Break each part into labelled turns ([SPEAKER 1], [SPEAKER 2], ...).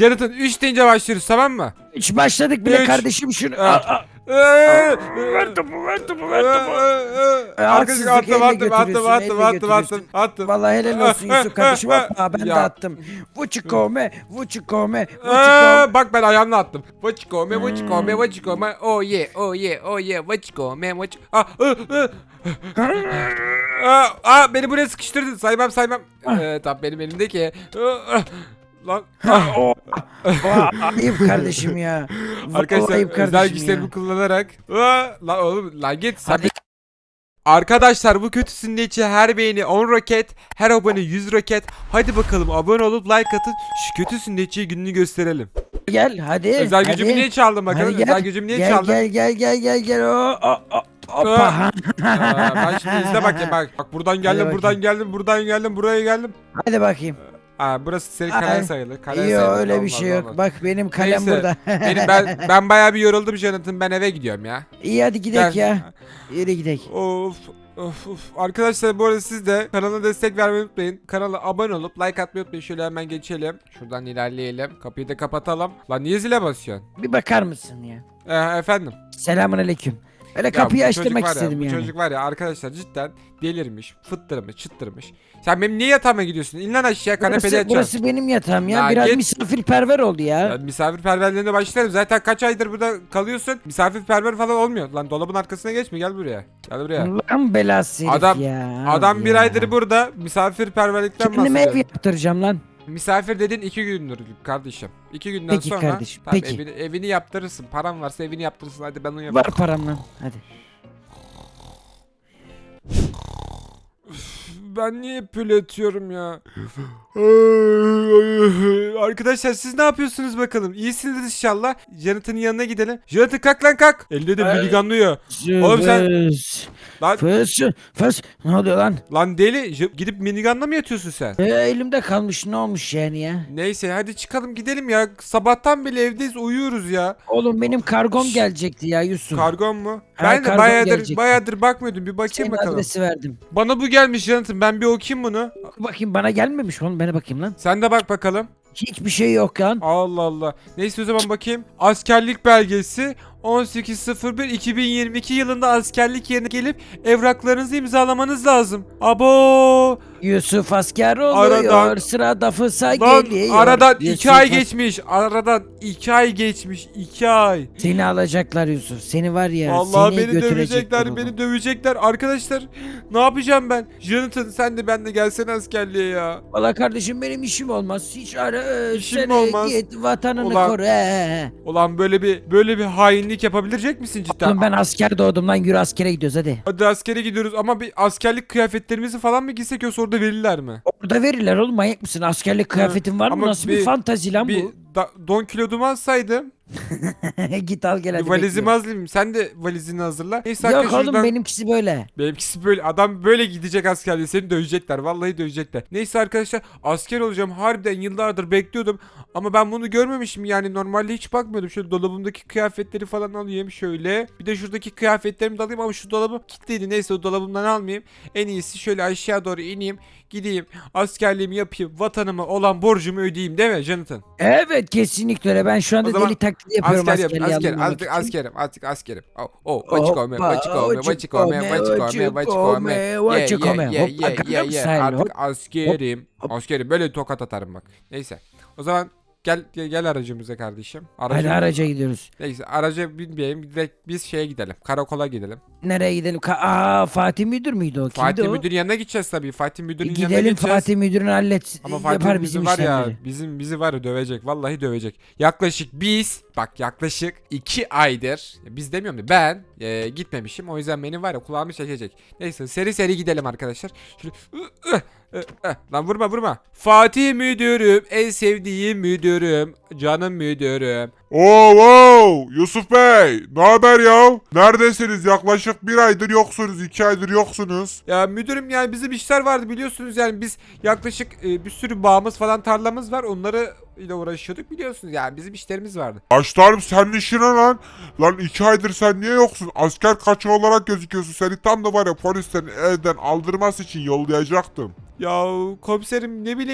[SPEAKER 1] Jonathan 3 deyince başlıyoruz, tamam mı?
[SPEAKER 2] Hiç başladık bile
[SPEAKER 1] Üç.
[SPEAKER 2] kardeşim şunu.
[SPEAKER 1] Evet.
[SPEAKER 2] Ver topu, ver topu, ver topu.
[SPEAKER 1] Arkadaşlar
[SPEAKER 2] Haksızlık, elle
[SPEAKER 1] attım.
[SPEAKER 2] götürüyorsun. Vallahi helal olsun Yusuf kardeşim, atma, ben de
[SPEAKER 1] Ya.
[SPEAKER 2] attım. Vuçikome, vuçikome,
[SPEAKER 1] Bak ben ayağımla attım. Vachikome. Oh yeah. Vachikome. Beni buraya sıkıştırdın. Saymam. Tamam benim elimdeki. Lan.
[SPEAKER 2] Ayıp kardeşim ya. Vallahi
[SPEAKER 1] Arkadaşlar
[SPEAKER 2] ayıp
[SPEAKER 1] özel
[SPEAKER 2] kardeşim
[SPEAKER 1] güçlerimi
[SPEAKER 2] ya.
[SPEAKER 1] kullanarak. Lan oğlum lan git sen.
[SPEAKER 2] Hadi.
[SPEAKER 1] Arkadaşlar bu kötü sünnetçi her beğeni 10 roket, her abone 100 roket. Hadi bakalım abone olup like atın, şu kötü sünnetçiyi gününü gösterelim.
[SPEAKER 2] Gel hadi.
[SPEAKER 1] Özel
[SPEAKER 2] hadi.
[SPEAKER 1] gücümü niye çaldın bakalım?
[SPEAKER 2] Hadi gel.
[SPEAKER 1] Özel gücümü niye
[SPEAKER 2] Gel,
[SPEAKER 1] çaldın?
[SPEAKER 2] gel. Hoppa.
[SPEAKER 1] Ben şimdi izle bak ya bak. Bak buradan
[SPEAKER 2] Hadi
[SPEAKER 1] geldim,
[SPEAKER 2] bakayım.
[SPEAKER 1] buradan geldim, buraya geldim.
[SPEAKER 2] Hadi bakayım.
[SPEAKER 1] Burası senin
[SPEAKER 2] Ay.
[SPEAKER 1] kalen sayılır. Kalen
[SPEAKER 2] Yok
[SPEAKER 1] sayılır.
[SPEAKER 2] öyle bir
[SPEAKER 1] Olmaz,
[SPEAKER 2] şey yok.
[SPEAKER 1] olmaz.
[SPEAKER 2] Bak benim kalem
[SPEAKER 1] Neyse,
[SPEAKER 2] burada.
[SPEAKER 1] ben bayağı bir yoruldum Jonathan. Ben eve gidiyorum ya.
[SPEAKER 2] İyi hadi gidelim
[SPEAKER 1] Gel.
[SPEAKER 2] ya. Yürü gidelim.
[SPEAKER 1] Of. Arkadaşlar bu arada siz de kanala destek vermeyi unutmayın. Kanala abone olup like atmayı unutmayın. Şöyle hemen geçelim. Şuradan ilerleyelim. Kapıyı da kapatalım. Lan niye zile basıyorsun?
[SPEAKER 2] Bir bakar mısın ya?
[SPEAKER 1] Efendim.
[SPEAKER 2] Selamünaleyküm. Öyle
[SPEAKER 1] Ya
[SPEAKER 2] kapıyı
[SPEAKER 1] bu
[SPEAKER 2] açtırmak
[SPEAKER 1] çocuk var ya,
[SPEAKER 2] istedim
[SPEAKER 1] bu
[SPEAKER 2] yani.
[SPEAKER 1] çocuk var ya arkadaşlar cidden delirmiş, fıttırmış, çıttırmış. Sen benim niye yatağıma gidiyorsun? İn lan aşağı, kanepede
[SPEAKER 2] Burası,
[SPEAKER 1] yatacaksın.
[SPEAKER 2] burası benim yatağım ya.
[SPEAKER 1] Ya
[SPEAKER 2] Biraz
[SPEAKER 1] git.
[SPEAKER 2] misafirperver oldu ya.
[SPEAKER 1] Ya misafirperverliğine başlarım. Zaten kaç aydır burada kalıyorsun. Misafirperver falan olmuyor. Lan dolabın arkasına geçme, gel buraya. Gel buraya.
[SPEAKER 2] Allah'ın belası herif
[SPEAKER 1] Adam-
[SPEAKER 2] ya.
[SPEAKER 1] Adam bir
[SPEAKER 2] ya.
[SPEAKER 1] aydır burada misafirperverlikten
[SPEAKER 2] Kendime ev
[SPEAKER 1] bahsediyor.
[SPEAKER 2] yaptıracağım lan.
[SPEAKER 1] Misafir dedin 2 gündür kardeşim. 2 günden
[SPEAKER 2] Peki
[SPEAKER 1] sonra
[SPEAKER 2] kardeşim,
[SPEAKER 1] tamam,
[SPEAKER 2] peki.
[SPEAKER 1] evini yaptırırsın. Paran varsa evini yaptırırsın. Hadi ben onu
[SPEAKER 2] Var
[SPEAKER 1] yaparım.
[SPEAKER 2] param lan. Hadi.
[SPEAKER 1] Ben niye hep böyle yatıyorum ya? Arkadaşlar siz ne yapıyorsunuz bakalım? İyisiniz inşallah. Jonathan'ın yanına gidelim. Jonathan kalk lan kalk. Elde de miliganlıyor. Oğlum sen- Lan,
[SPEAKER 2] Fıs. Ne oluyor lan?
[SPEAKER 1] lan deli. Gidip minigunla mı yatıyorsun sen?
[SPEAKER 2] Elimde kalmış, ne olmuş yani ya?
[SPEAKER 1] Neyse hadi çıkalım gidelim ya. Sabahtan beri evdeyiz, uyuyoruz ya.
[SPEAKER 2] Oğlum benim kargom
[SPEAKER 1] Şşş.
[SPEAKER 2] gelecekti ya Yusuf.
[SPEAKER 1] Kargon mu?
[SPEAKER 2] Ha,
[SPEAKER 1] Ben de
[SPEAKER 2] kargon
[SPEAKER 1] bayağıdır
[SPEAKER 2] gelecekti.
[SPEAKER 1] bakmıyordum. Bir bakayım
[SPEAKER 2] Senin
[SPEAKER 1] bakalım.
[SPEAKER 2] adresi verdim.
[SPEAKER 1] Bana bu gelmiş Jonathan. Ben bir okuyayım bunu.
[SPEAKER 2] Bakayım bana gelmemiş oğlum, bana bakayım lan.
[SPEAKER 1] Sen de bak bakalım.
[SPEAKER 2] Hiçbir şey yok lan.
[SPEAKER 1] Allah Allah. Neyse o zaman bakayım. Askerlik belgesi 18.01.2022 yılında askerlik yerine gelip evraklarınızı imzalamanız lazım. Abo!
[SPEAKER 2] Yusuf asker oluyor.
[SPEAKER 1] Aradan-
[SPEAKER 2] Sırada fısa
[SPEAKER 1] Lan
[SPEAKER 2] geliyor.
[SPEAKER 1] aradan
[SPEAKER 2] Yusuf
[SPEAKER 1] 2 ay geçmiş. Aradan 2 ay geçmiş. 2 ay.
[SPEAKER 2] Seni alacaklar Yusuf. Seni var ya.
[SPEAKER 1] Vallahi
[SPEAKER 2] seni
[SPEAKER 1] beni
[SPEAKER 2] götürecekler
[SPEAKER 1] dövecekler,
[SPEAKER 2] oğlum.
[SPEAKER 1] beni dövecekler. Arkadaşlar ne yapacağım ben? Jonathan sen de benimle gelsene askerliğe ya.
[SPEAKER 2] Valla kardeşim benim işim olmaz. Hiç ara.
[SPEAKER 1] İşim
[SPEAKER 2] Sen
[SPEAKER 1] mi olmaz?
[SPEAKER 2] git vatanını
[SPEAKER 1] Ulan-
[SPEAKER 2] koru.
[SPEAKER 1] Ulan böyle bir hainlik yapabilecek misin cidden?
[SPEAKER 2] Oğlum ben asker doğdum lan, yürü askere gidiyoruz hadi.
[SPEAKER 1] Hadi askere gidiyoruz ama bir askerlik kıyafetlerimizi falan mı giysek yoksa orada verirler mi?
[SPEAKER 2] Orada verirler oğlum, manyak mısın? Askerlik kıyafetin var mı?
[SPEAKER 1] ama
[SPEAKER 2] Nasıl bir fantazi lan
[SPEAKER 1] Bir
[SPEAKER 2] bu?
[SPEAKER 1] don kilodumu alsaydım.
[SPEAKER 2] Git al gel hadi.
[SPEAKER 1] Bir valizimi
[SPEAKER 2] bekliyorum.
[SPEAKER 1] hazırlayayım. Sen de valizini hazırla. Neyse
[SPEAKER 2] Yok
[SPEAKER 1] arkadaşlar
[SPEAKER 2] oğlum
[SPEAKER 1] şuradan-
[SPEAKER 2] benimkisi böyle.
[SPEAKER 1] Benimkisi böyle. Adam böyle gidecek askerliğe. Seni dövecekler. Vallahi dövecekler. Neyse arkadaşlar asker olacağım. Harbiden yıllardır bekliyordum. Ama ben bunu görmemişim. Yani normalde hiç bakmıyordum. Şöyle dolabımdaki kıyafetleri falan alayım şöyle. Bir de şuradaki kıyafetlerimi de alayım ama şu dolabı kilitliydi. Neyse o dolabımdan almayayım. En iyisi şöyle aşağı doğru ineyim. Gideyim. Askerliğimi yapayım. Vatanıma olan borcumu ödeyeyim değil mi Jonathan?
[SPEAKER 2] Evet kesinlikle öyle. Ben şu
[SPEAKER 1] O
[SPEAKER 2] anda
[SPEAKER 1] zaman
[SPEAKER 2] deli taklidi yapıyorum
[SPEAKER 1] Asker yap,
[SPEAKER 2] askerliğe
[SPEAKER 1] asker,
[SPEAKER 2] alınmamak
[SPEAKER 1] artık
[SPEAKER 2] için.
[SPEAKER 1] askerim, artık askerim. Oh,
[SPEAKER 2] Hoppa,
[SPEAKER 1] vachikome.
[SPEAKER 2] Hop, style,
[SPEAKER 1] Artık
[SPEAKER 2] hop,
[SPEAKER 1] askerim.
[SPEAKER 2] hop.
[SPEAKER 1] Askerim böyle tokat atarım bak. Neyse. O zaman gel aracımıza kardeşim.
[SPEAKER 2] Hadi araca gidiyoruz.
[SPEAKER 1] Neyse araca binmeyelim. Direkt biz şeye gidelim. Karakola gidelim.
[SPEAKER 2] Nereye gidelim? Fatih Müdür müydü o? Kimdi
[SPEAKER 1] Fatih
[SPEAKER 2] o?
[SPEAKER 1] Müdür'ün yanına gideceğiz tabii. Fatih Müdür'ün yanına
[SPEAKER 2] Gidelim
[SPEAKER 1] gideceğiz.
[SPEAKER 2] Fatih Müdür'ün hallet.
[SPEAKER 1] Ama Fatih
[SPEAKER 2] Yapar
[SPEAKER 1] Müdür
[SPEAKER 2] bizim
[SPEAKER 1] var ya
[SPEAKER 2] işlemleri.
[SPEAKER 1] bizi var ya dövecek, vallahi dövecek. Yaklaşık 2 aydır biz demiyorum da ben gitmemişim, o yüzden beni var ya kulağımı çekecek. Neyse seri gidelim arkadaşlar. Şöyle, lan vurma. Fatih Müdürüm, en sevdiğim müdürüm, canım müdürüm.
[SPEAKER 3] Oo, Yusuf Bey, ne haber ya? Neredesiniz? Yaklaşık 1 aydır yoksunuz, 2 aydır yoksunuz.
[SPEAKER 1] Ya müdürüm yani bizim işler vardı biliyorsunuz, yani biz yaklaşık bir sürü bağımız falan tarlamız var, onları ile uğraşıyorduk biliyorsunuz, yani bizim işlerimiz vardı.
[SPEAKER 3] Başlarım senin işine lan. Lan 2 aydır sen niye yoksun? Asker kaçağı olarak gözüküyorsun. Seni tam da var ya polislerin evden aldırması için yollayacaktım.
[SPEAKER 1] Ya komiserim ne bileyim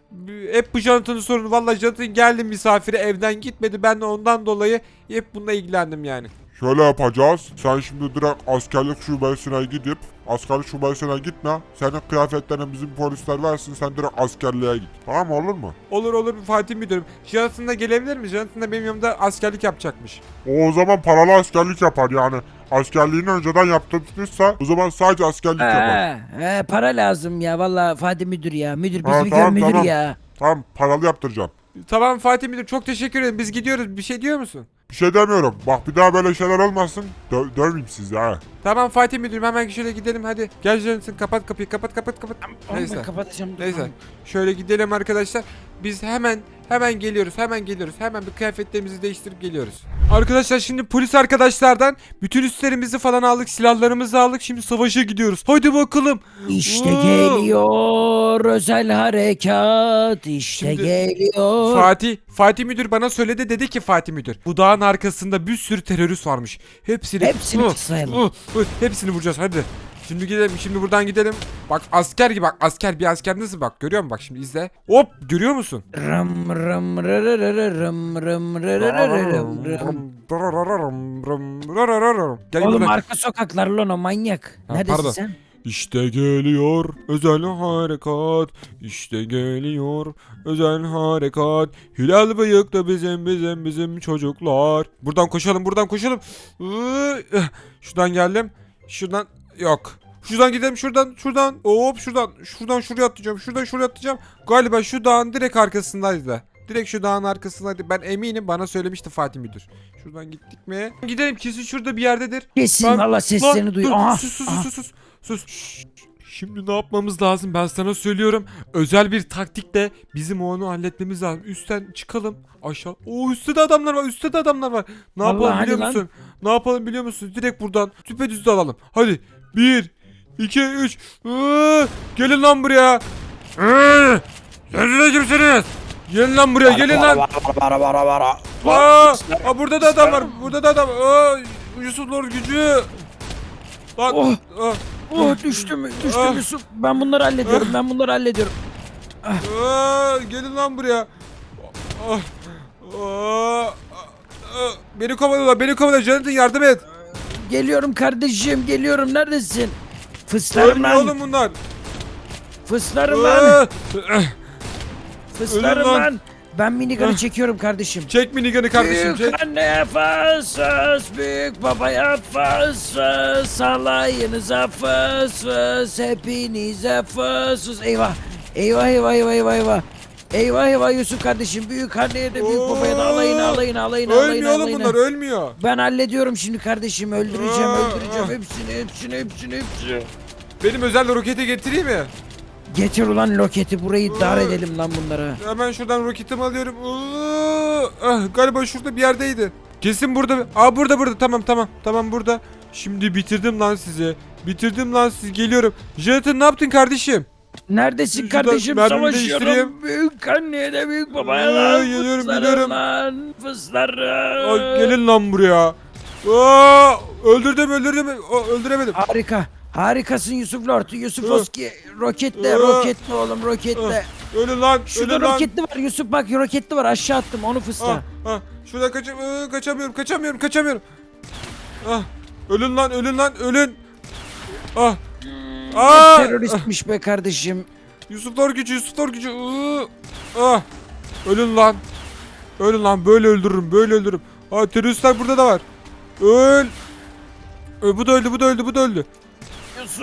[SPEAKER 1] Hep bu Jonathan'ın sorunu. Vallahi Jonathan geldi misafire, evden gitmedi. Ben de ondan dolayı hep bununla ilgilendim yani.
[SPEAKER 3] Şöyle yapacağız. Sen şimdi direkt askerlik şubesine gidip askerlik şubesine gitme. Senin kıyafetlerini bizim polisler versin. Sen direkt askerliğe git. Tamam mı, olur mu?
[SPEAKER 1] Olur Fatih Müdürüm. Jonathan da gelebilir mi? Jonathan da benim yanımda askerlik yapacakmış.
[SPEAKER 3] O zaman paralı askerlik yapar yani. Askerliğini önceden yaptırmışsa o zaman sadece askerlik yapar.
[SPEAKER 2] Para lazım ya vallahi Fatih Müdür ya. Müdür
[SPEAKER 3] Ha,
[SPEAKER 2] bizi
[SPEAKER 3] tamam,
[SPEAKER 2] müdür
[SPEAKER 3] tamam.
[SPEAKER 2] ya.
[SPEAKER 3] Tamam, paralı yaptıracağım.
[SPEAKER 1] Tamam Fatih Müdür, çok teşekkür ederim. Biz gidiyoruz. Bir şey diyor musun?
[SPEAKER 3] Bir şey demiyorum. Bak bir daha böyle şeyler olmasın. Dövmeyeyim sizi ha.
[SPEAKER 1] Tamam Fatih Müdürüm, hemen şöyle gidelim hadi. Gel Jonathan, kapat kapıyı, kapat. Neyse.
[SPEAKER 2] Ben kapatacağım. dur.
[SPEAKER 1] Neyse. Şöyle gidelim arkadaşlar. Biz hemen geliyoruz. Hemen bir kıyafetlerimizi değiştirip geliyoruz. Arkadaşlar şimdi polis arkadaşlardan bütün üstlerimizi falan aldık. Silahlarımızı aldık. Şimdi savaşa gidiyoruz. Hadi bakalım.
[SPEAKER 2] İşte
[SPEAKER 1] Oo.
[SPEAKER 2] geliyor özel harekat. İşte
[SPEAKER 1] Şimdi
[SPEAKER 2] geliyor.
[SPEAKER 1] Fatih Müdür bana söyledi, dedi ki Fatih Müdür, bu dağın arkasında bir sürü terörist varmış. Hepsini
[SPEAKER 2] sayalım.
[SPEAKER 1] hepsini vuracağız hadi. Şimdi gidelim, şimdi buradan gidelim. Bak asker gibi, bak asker, bir asker nasıl, bak görüyor musun, bak şimdi izle. Hop, görüyor musun?
[SPEAKER 2] Rım rım rım rım rım.
[SPEAKER 1] Gel
[SPEAKER 2] Oğlum
[SPEAKER 1] buradan.
[SPEAKER 2] arka sokaklar lan o manyak.
[SPEAKER 1] Ha,
[SPEAKER 2] Neredesin
[SPEAKER 1] pardon.
[SPEAKER 2] sen?
[SPEAKER 1] İşte geliyor özel harekat. İşte geliyor özel harekat. Hilal bıyıklı bizim çocuklar. Buradan koşalım. Şuradan geldim. Şuradan yok. Şuradan gidelim, şuradan. Hop şuradan şuraya atlayacağım. Şuraya atlayacağım. Galiba şu dağın direkt arkasındaydı. Direkt şu dağın arkasındaydı. Ben eminim, bana söylemişti Fatih Müdür. Şuradan gittik mi? Gidelim, kesin şurada bir yerdedir.
[SPEAKER 2] Kesin
[SPEAKER 1] Lan-
[SPEAKER 2] valla seslerini
[SPEAKER 1] Lan,
[SPEAKER 2] duyuyor.
[SPEAKER 1] dur,
[SPEAKER 2] Aha.
[SPEAKER 1] sus. Şimdi ne yapmamız lazım, ben sana söylüyorum. Özel bir taktikle bizim onu halletmemiz lazım. Üstten çıkalım aşağı. Oo, üstte de adamlar var. Ne
[SPEAKER 2] Allah,
[SPEAKER 1] yapalım
[SPEAKER 2] hadi
[SPEAKER 1] biliyor
[SPEAKER 2] lan.
[SPEAKER 1] musun? Ne yapalım biliyor musun? Direkt buradan düpedüz dalalım. Hadi 1 2 3 gelin lan buraya. Siz de kimsiniz? Gelin lan buraya, gelin lan. Burada da adam var. Yusuf Lord gücü. Lan.
[SPEAKER 2] Oh.
[SPEAKER 1] aa.
[SPEAKER 2] Düştüm
[SPEAKER 1] Ah.
[SPEAKER 2] Yusuf. Ben bunları hallediyorum.
[SPEAKER 1] Gelin lan buraya. Ah, ah, Beni kovalıyorlar. Jonathan yardım et.
[SPEAKER 2] Geliyorum kardeşim geliyorum. Neredesin? Fıslarım
[SPEAKER 1] Ölmüyor
[SPEAKER 2] lan.
[SPEAKER 1] oğlum bunlar.
[SPEAKER 2] Fıslarım lan.
[SPEAKER 1] Ah,
[SPEAKER 2] Fıslarım
[SPEAKER 1] ölüm lan.
[SPEAKER 2] lan. Ben minigun'ı çekiyorum kardeşim.
[SPEAKER 1] Çek minigun'ı kardeşim, çek.
[SPEAKER 2] Büyük anneye fıs, büyük babaya fıs, salayınıza fıs, hepinize fıs. Eyvah. Eyvah Yusuf kardeşim, büyük anneye de büyük babaya da alayın.
[SPEAKER 1] Ölmüyor oğlum bunlar, ölmüyor.
[SPEAKER 2] Ben hallediyorum şimdi kardeşim, öldüreceğim hepsini.
[SPEAKER 1] Benim özel roketi getireyim mi?
[SPEAKER 2] Getir ulan roketi, burayı dar edelim lan bunlara.
[SPEAKER 1] Hemen şuradan roketimi alıyorum. Galiba şurada bir yerdeydi. Kesin burada. Burada. Tamam burada. Şimdi bitirdim lan sizi. Geliyorum. Jonathan, ne yaptın kardeşim?
[SPEAKER 2] Neredesin
[SPEAKER 1] Şuradan
[SPEAKER 2] kardeşim?
[SPEAKER 1] mermimi
[SPEAKER 2] Savaşıyorum.
[SPEAKER 1] değiştireyim.
[SPEAKER 2] Büyük anneye de büyük babaya da.
[SPEAKER 1] Geliyorum.
[SPEAKER 2] Lan fıslarım.
[SPEAKER 1] Gelin lan buraya. Öldürdüm. Öldüremedim.
[SPEAKER 2] Harikasın Yusuf Lord. Yusuf
[SPEAKER 1] Hı.
[SPEAKER 2] Oski. Roketle oğlum roketle.
[SPEAKER 1] Ölün lan.
[SPEAKER 2] Şurada roketli var Yusuf, bak roketli var, aşağı attım onu fısla.
[SPEAKER 1] Şuradan kaçamıyorum. Ölün lan.
[SPEAKER 2] Teröristmiş be kardeşim.
[SPEAKER 1] Yusuf Lord gücü. Ölün lan, böyle öldürürüm. Teröristler burada da var. Öl. Bu da öldü.
[SPEAKER 2] Yusuf.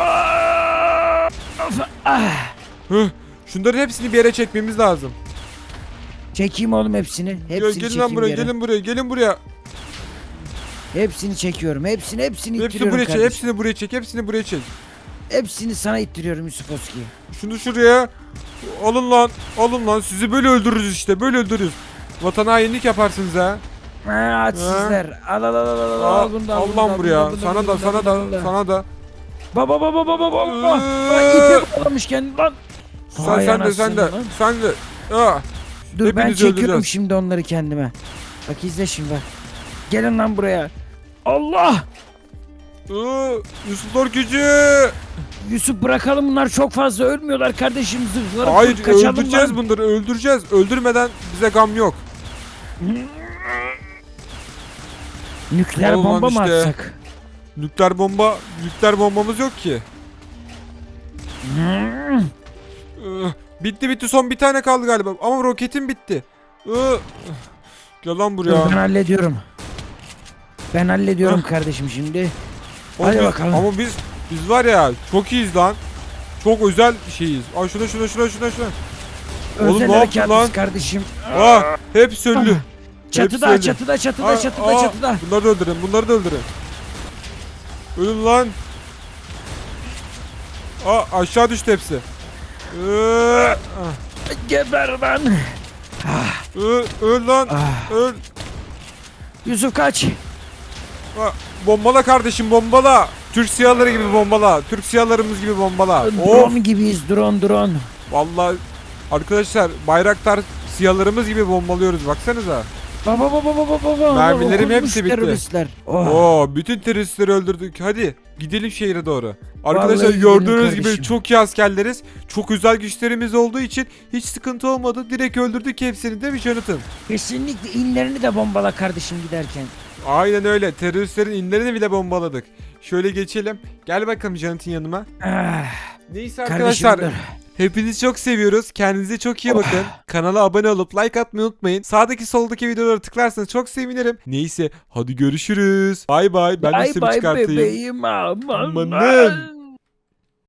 [SPEAKER 1] Şunların hepsini bir yere çekmemiz lazım.
[SPEAKER 2] Çekeyim oğlum hepsini. Hepsini
[SPEAKER 1] Gelin lan
[SPEAKER 2] çekeyim
[SPEAKER 1] buraya,
[SPEAKER 2] bir yere.
[SPEAKER 1] gelin buraya.
[SPEAKER 2] Hepsini çekiyorum. Hepsini
[SPEAKER 1] Hepsini
[SPEAKER 2] ittiriyorum
[SPEAKER 1] buraya çek,
[SPEAKER 2] kardeşim.
[SPEAKER 1] hepsini buraya çek.
[SPEAKER 2] Hepsini sana ittiriyorum Yusuf Oski.
[SPEAKER 1] Şunu şuraya. Alın lan. Sizi böyle öldürürüz işte. Vatana hainlik yaparsınız ha.
[SPEAKER 2] Açsızlar. Al bunu da
[SPEAKER 1] Al lan buraya. Sana da.
[SPEAKER 2] Baba. İpe bağlamış kendini lan. Vay
[SPEAKER 1] Sen
[SPEAKER 2] anasını
[SPEAKER 1] de.
[SPEAKER 2] lan. Dur ben
[SPEAKER 1] Hepinizi
[SPEAKER 2] çekiyorum
[SPEAKER 1] öldüreceğiz.
[SPEAKER 2] şimdi onları kendime. Bak izle şimdi bak. Gelin lan buraya. Allah.
[SPEAKER 1] Yusuf Lord gücü.
[SPEAKER 2] Yusuf bırakalım, bunlar çok fazla ölmüyorlar kardeşim, zırhları
[SPEAKER 1] Hayır,
[SPEAKER 2] full, kaçalım
[SPEAKER 1] öldüreceğiz
[SPEAKER 2] lan.
[SPEAKER 1] bunları, öldüreceğiz. Öldürmeden bize gam yok.
[SPEAKER 2] Nükleer
[SPEAKER 1] Ulan
[SPEAKER 2] bomba mı
[SPEAKER 1] işte.
[SPEAKER 2] atsak?
[SPEAKER 1] Nükleer bombamız yok ki. Bitti, son bir tane kaldı galiba. Ama roketim bitti. Gel lan
[SPEAKER 2] Dur,
[SPEAKER 1] buraya.
[SPEAKER 2] ben hallediyorum. Ben hallediyorum kardeşim şimdi.
[SPEAKER 1] Oğlum
[SPEAKER 2] Hadi
[SPEAKER 1] biz-
[SPEAKER 2] bakalım.
[SPEAKER 1] Ama biz var ya, çok iyiyiz lan. Çok özel şeyiz. Ay şuna. Oğlum
[SPEAKER 2] Özel
[SPEAKER 1] ne yaptın
[SPEAKER 2] harekatız
[SPEAKER 1] lan?
[SPEAKER 2] kardeşim.
[SPEAKER 1] Hepsi öldü.
[SPEAKER 2] Çatıda,
[SPEAKER 1] öldü.
[SPEAKER 2] çatıda.
[SPEAKER 1] Aa, bunları da öldürün. Ölün lan. Aşağı düştü hepsi.
[SPEAKER 2] Geber lan.
[SPEAKER 1] Öl lan.
[SPEAKER 2] Ah.
[SPEAKER 1] Öl.
[SPEAKER 2] Yusuf kaç.
[SPEAKER 1] Bombala kardeşim, bombala. Türk siyahları gibi bombala. Türk siyahlarımız gibi bombala. Of.
[SPEAKER 2] Drone gibiyiz, drone.
[SPEAKER 1] Vallahi arkadaşlar, Bayraktar siyahlarımız gibi bombalıyoruz, baksanıza.
[SPEAKER 2] Baba.
[SPEAKER 1] Mermilerim
[SPEAKER 2] Okunmuş
[SPEAKER 1] hepsi bitti.
[SPEAKER 2] teröristler. Oh.
[SPEAKER 1] Oo, bütün teröristleri öldürdük. Hadi gidelim şehre doğru. Arkadaşlar
[SPEAKER 2] Vallahi
[SPEAKER 1] gördüğünüz
[SPEAKER 2] gidelim
[SPEAKER 1] gibi
[SPEAKER 2] kardeşim.
[SPEAKER 1] çok iyi askerleriz. Çok özel güçlerimiz olduğu için hiç sıkıntı olmadı. Direkt öldürdük hepsini, değil mi Jonathan?
[SPEAKER 2] Kesinlikle inlerini de bombala kardeşim giderken.
[SPEAKER 1] Aynen öyle. Teröristlerin inlerini bile bombaladık. Şöyle geçelim. Gel bakalım Jonathan yanıma.
[SPEAKER 2] Ah,
[SPEAKER 1] Neyse
[SPEAKER 2] kardeşim
[SPEAKER 1] arkadaşlar.
[SPEAKER 2] dur.
[SPEAKER 1] Hepinizi çok seviyoruz. Kendinize çok iyi bakın. Kanala abone olup like atmayı unutmayın. Sağdaki soldaki videolara tıklarsanız çok sevinirim. Neyse hadi görüşürüz. Bay bay. Ben de
[SPEAKER 2] Bye
[SPEAKER 1] üstümü
[SPEAKER 2] bye
[SPEAKER 1] çıkartayım.
[SPEAKER 2] bebeğim, aman.
[SPEAKER 1] Amanın.